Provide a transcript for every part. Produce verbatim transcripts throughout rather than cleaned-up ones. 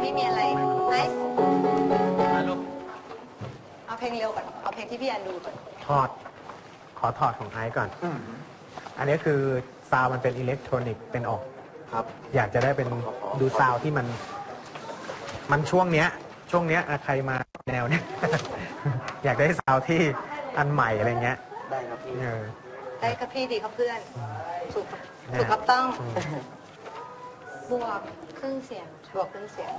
นี้มีอะไรไอซ์เอาเพลงเร็วก่อนเอาเพลงที่พี่แอนดูก่อนถอดขอถอดของไอซ์ก่อนอันนี้คือซาวมันเป็นอิเล็กทรอนิกส์เป็นออกครับอยากจะได้เป็นดูซาวที่มันมันช่วงเนี้ยช่วงเนี้ยใครมาแนวเนี้ยอยากได้ซาวที่อันใหม่อะไรเงี้ยได้ครับพี่ได้ครับพี่ดีครับเพื่อนถูกถูกครับต้องบวกเครื่องเสียงบวกเครื่องเสียง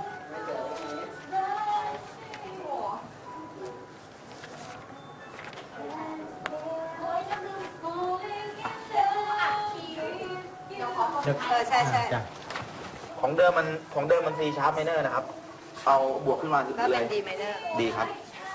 เออใช่ใช่ของเดิมมันของเดิมมันซีชาร์ปไมเนอร์นะครับเอาบวกขึ้นมาก็เป็นดีไมเนอร์ดีครับ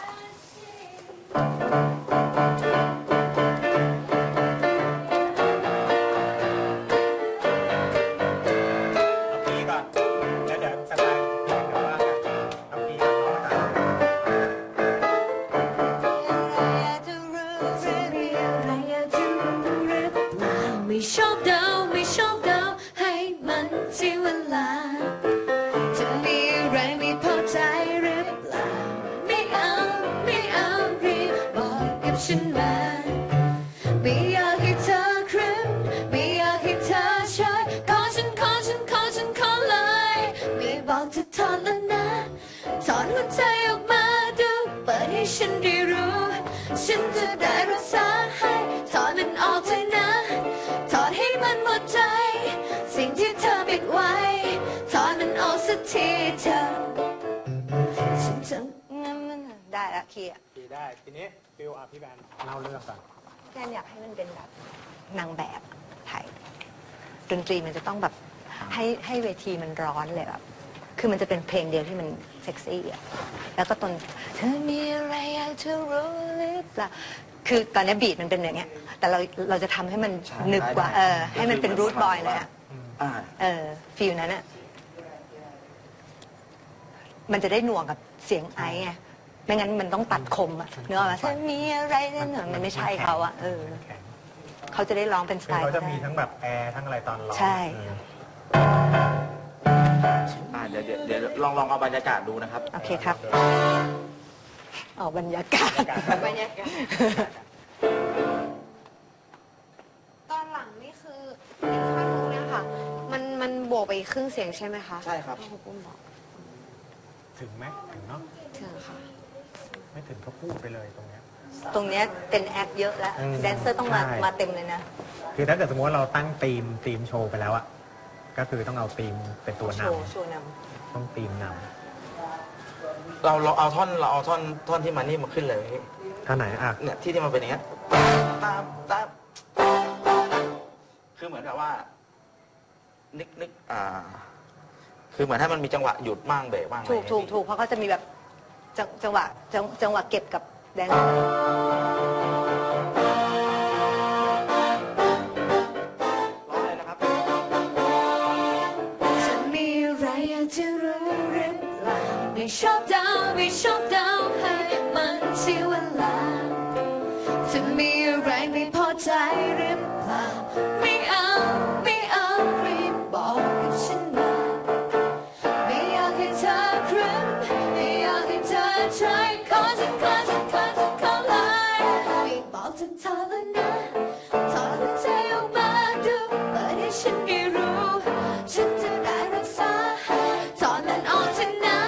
ไม่ชอบเดาไม่ชอบเดาให้มันเสียเวลาจะมีอะไรไม่พอใจหรือเปล่าไม่เอาไม่เอารีบบอกกับฉันมาไม่อยากให้เธอครึ้มไม่อยากให้เธอใช้ขอฉันขอฉันขอฉันขอเลยไม่บอกจะถอนแล้วนะถอนหัวใจออกมาดูเปิดให้ฉันได้รู้ฉันจะได้รักษาให้ถอนมันออกเถอะนะถอดให้มันหมดใจสิ่งที่เธอปิดไว้ถอดมันออกสักทีเธอฉันจะได้ละคีย์คีย์ได้ทีนี้ฟิลอ่ะพี่แบนเล่าเรื่องก่อนแบนอยากให้มันเป็นแบบนางแบบไทยดนตรีมันจะต้องแบบให้ให้เวทีมันร้อนเลยแบบคือมันจะเป็นเพลงเดียวที่มันเซ็กซี่อ่ะแล้วก็ตอนเธอมีอะไรอยากจะรู้หรือเปล่าคือตอนนี้บีทมันเป็นอย่างเงี้ยแต่เราเราจะทำให้มันหนึบกว่าเออให้มันเป็นรูทบอยเลยอ่ะเออฟีลนั้นอ่ะมันจะได้หน่วงกับเสียงไอไงไม่งั้นมันต้องตัดคมอ่ะเนื้อว่าถ้ามีอะไรนั่นมันไม่ใช่เขาอ่ะเออเขาจะได้ร้องเป็นสไตล์เขาจะมีทั้งแบบแอร์ทั้งอะไรตอนร้องใช่เดี๋ยวเดี๋ยวลองลองเอาบรรยากาศดูนะครับโอเคครับออกบรรยากาศบรรยากาศตอนหลังนี่คืออีกข้อนึงเนี่ยค่ะมันมันบวกไปครึ่งเสียงใช่ไหมคะใช่ครับถึงไหมถึงเนาะถึงค่ะไม่ถึงก็พูดไปเลยตรงเนี้ยตรงเนี้ยเป็นแอคเยอะแล้วแดนเซอร์ต้องมามาเต็มเลยนะคือถ้าเกิดสมมติว่าเราตั้งธีมธีมโชว์ไปแล้วอะก็คือต้องเอาธีมเป็นตัวนำโชว์นำต้องธีมนำเราเราเอาท่อนเราเอาท่อนท่อนที่มันนี่มาขึ้นเลยท่อนไหนอ่ะเนี่ยที่ที่มันเป็นอย่างเงี้ยตามตามคือเหมือนกับว่านึกนึกอ่าคือเหมือนให้มันมีจังหวะหยุดบ้างเบรกบ้างถูกถูกถูกเพราะเขาจะมีแบบจังหวะจังหวะเก็บกับแดนไม่ชอบเดาไม่ชอบเดาให้มันเสียเวลาจะมีอะไรไม่พอใจหรือเปล่าไม่เอาไม่เอารีบบอกกับฉันมาไม่อยากให้เธอครึ้มไม่อยากให้เธอใช้ขอฉันขอฉันขอฉันขอเลยไม่บอกจะถอนแล้วนะถอนหัวใจออกมาดูเปิดให้ฉันได้รู้ฉันจะได้รักษาถอนมันออกเถอะนะ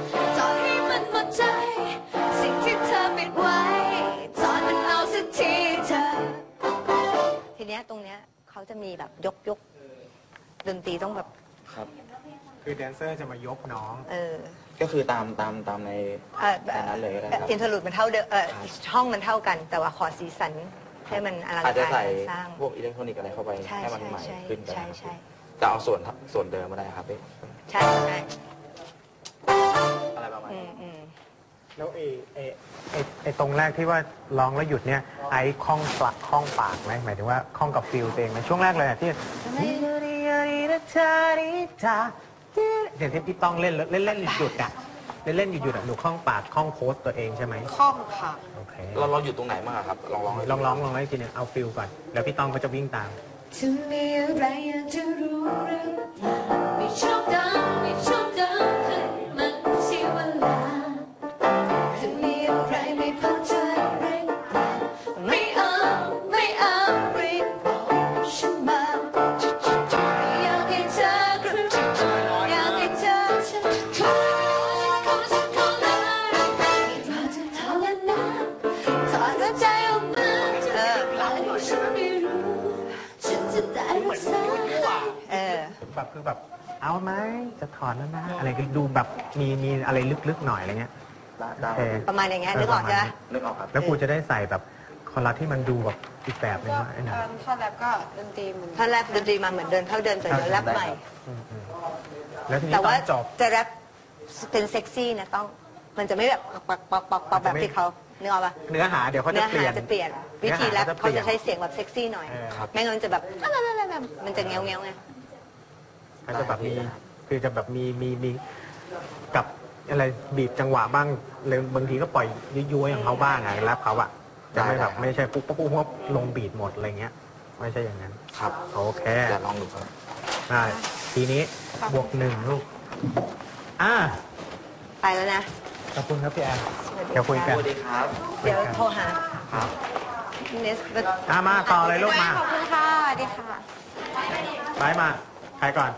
สิ่งที่เธอปิดไว้ถอนมันเอาสักทีเธอทีเนี้ยตรงเนี้ยเขาจะมีแบบยกยกดนตรีต้องแบบครับคือแดนเซอร์จะมายกน้องเออก็คือตามตามตามในนั้นเลยนะครับอินเทอร์ลูดมันเท่าเดิมเออช่องมันเท่ากันแต่ว่าขอสีสันให้มันอลังการอาจจะใส่สร้างพวกอิเล็กทรอนิกส์อะไรเข้าไปให้มันใหม่ขึ้นใช่ใช่จะเอาส่วนส่วนเดิมมาได้ครับพี่ใช่ใช่อะไรประมาณนี้แล้วไอ้ไอ้ไอ้ไอ้ตรงแรกที่ว่าร้องแล้วหยุดเนี่ยไอ้คล้องปากคล้องปากไหมหมายถึงว่าคล้องกับฟิลเองไหมช่วงแรกเลยที่เดี๋ยวที่พี่ต้องเล่นเล่นเล่นหยุดอ่ะเล่นเล่นหยุดหยุดอ่ะหนูคล้องปากคล้องโพสตัวเองใช่ไหมคล้องค่ะโอเคเราเราอยู่ตรงไหนบ้างครับลองลองลองร้องลองให้ทีนึงเอาฟิลก่อนแล้วพี่ต้องก็จะวิ่งตามจะมีอะไรอยากจะรู้หรือเปล่าไม่ชอบเดาไม่ชอบเดาให้มันแบบคือแบบเอาไหมจะถอนแล้วนะอะไรก็ดูแบบมีมีอะไรลึกๆหน่อยอะไรเงี้ยได้โอเคประมาณอย่างเงี้ยนึกออกใช่ไหมนึกออกครับแล้วครูจะได้ใส่แบบคอรัสที่มันดูแบบอีกแบบหนึงว่าไอ้หน่อยท่อนแรปก็ดนตรีเหมือนถ้าแรปดนตรีมาเหมือนเดินเข้าเดินเสร็จแล้วแรปใหม่อืมอืมแล้วทีนี้แต่ตว่าอนจบจะแรปเป็นเซ็กซี่นะต้องมันจะไม่แบบปักปักปักปักแบบที่เขาเนื้ออกปะเนื้อหาเดี๋ยวเขาจะเนื้อเปลี่หายนจะเปลี่ยน วิธีแรปเนื้อหาเขาจะเปลี่จะยนใช้เสียงแบบเซ็กซี่หน่อยเออครับไม่งั้นมันจะแบบมันจะเงี้ยวเงี้ยวๆไงเขาจะแบบมีคือจะแบบมีมีมีกับอะไรบีบจังหวะบ้างเลยบางทีก็ปล่อยยุ้ยๆของเขาบ้างอะแล้วเขาอะจะไม่แบบไม่ใช่ปุ๊บปุ๊บปุ๊บปุ๊บลงบีดหมดอะไรเงี้ย ไม่ใช่อย่างนั้นครับโอเคเดี๋ยวลองดูครับได้ทีนี้บวกหนึ่งลูกอ่าไปแล้วนะขอบคุณครับพี่แอนสวัสดีเดี๋ยวคุยกันสวัสดีครับเดี๋ยวโทรหาครับเนสอ่ามาต่อเลยลูกมาขอบคุณค่ะสวัสดีค่ะไปมาใครก่อน